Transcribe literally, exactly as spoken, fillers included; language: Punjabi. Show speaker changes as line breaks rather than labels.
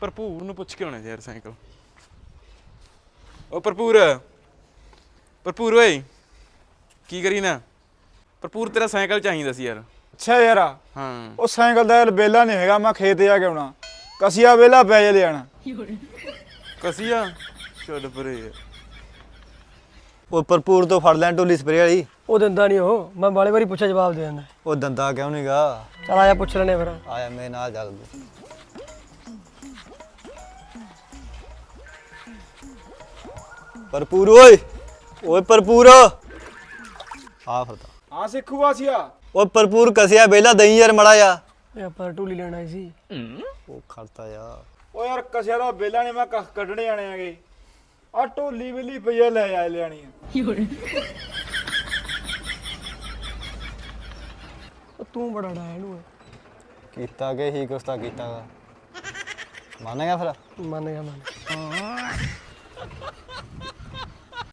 ਭਰਪੂਰ ਨੂੰ ਪੁੱਛ ਕੇ ਆਉਣਾ ਯਾਰ ਸਾਈਕਲ। ਉਹ ਭਰਪੂਰ ਭਰਪੂਰ ਓਏ ਕੀ ਕਰੀ ਨਾ? ਭਰਪੂਰ ਤੇਰਾ ਸਾਈਕਲ ਚਾਹੀਦਾ ਸੀ ਯਾਰ।
ਅੱਛਾ ਯਾਰ
ਹਾਂ
ਉਹ ਸਾਈਕਲ ਦਾ ਵੇਲਾ ਨਹੀਂ ਹੈਗਾ, ਮੈਂ ਖੇਤ ਜਾ ਕੇ ਆਉਣਾ। ਕਸੀਆ ਵੇਲਾ ਪੈ ਜੇ ਲਿਆਣਾ।
ਕਸੀਆ ਛੱਡ ਪਰੇ ਯਾਰ।
ਉਹ ਭਰਪੂਰ ਤੋਂ ਫੜ ਲੈਣ ਢੋਲੀ ਸਪਰੇ ਵਾਲੀ।
ਉਹ ਦਿੰਦਾ ਨਹੀਂ, ਉਹ ਮੈਂ ਬਾਲੇ ਵਾਰੀ ਪੁੱਛਿਆ ਜਵਾਬ ਦੇ ਦਿੰਦਾ।
ਉਹ ਦੰਦਾ ਕਿਉਂ ਨੀ ਗਾ?
ਚਲ ਆਇਆ ਪੁੱਛ ਲੈਣੇ ਫਿਰ।
ਆਇਆ ਮੇਰੇ ਨਾਲ ਚੱਲ ਤੂੰ। ਭਰਪੂਰ ਓਏ ਓਏ ਭਰਪੂਰ ਆ ਫਿਰਦਾ।
ਹਾਂ ਸਿੱਖੂ ਵਾਸੀਆ।
ਉਹ ਭਰਪੂਰ ਕਸਿਆ ਵੇਲਾ ਦਈ ਯਾਰ ਮੜਾ ਜਾ।
ਇਹ ਆਪਾਂ ਢੋਲੀ ਲੈਣ ਆਏ ਸੀ।
ਉਹ ਖੜਤਾ ਯਾਰ।
ਉਹ ਯਾਰ ਕਸਿਆ ਦਾ ਵੇਲਾ ਨਹੀਂ, ਮੈਂ ਕੱਖ ਕੱਢਣੇ ਆਣੇ ਆਗੇ। ਆ ਢੋਲੀ ਵੇਲੀ ਪਈਆ ਲੈ ਆ ਲਿਆਣੀ ਆ।
ਉਹ ਤੂੰ ਬੜਾ ਡਾਇਆ ਇਹਨੂੰ।
ਕੀਤਾ ਕਿ ਹੀ ਕੁਛ ਤਾਂ ਕੀਤਾ ਗਾ। ਮੰਨ ਗਿਆ ਫਿਰ?
ਮੰਨ ਗਿਆ ਮੰਨ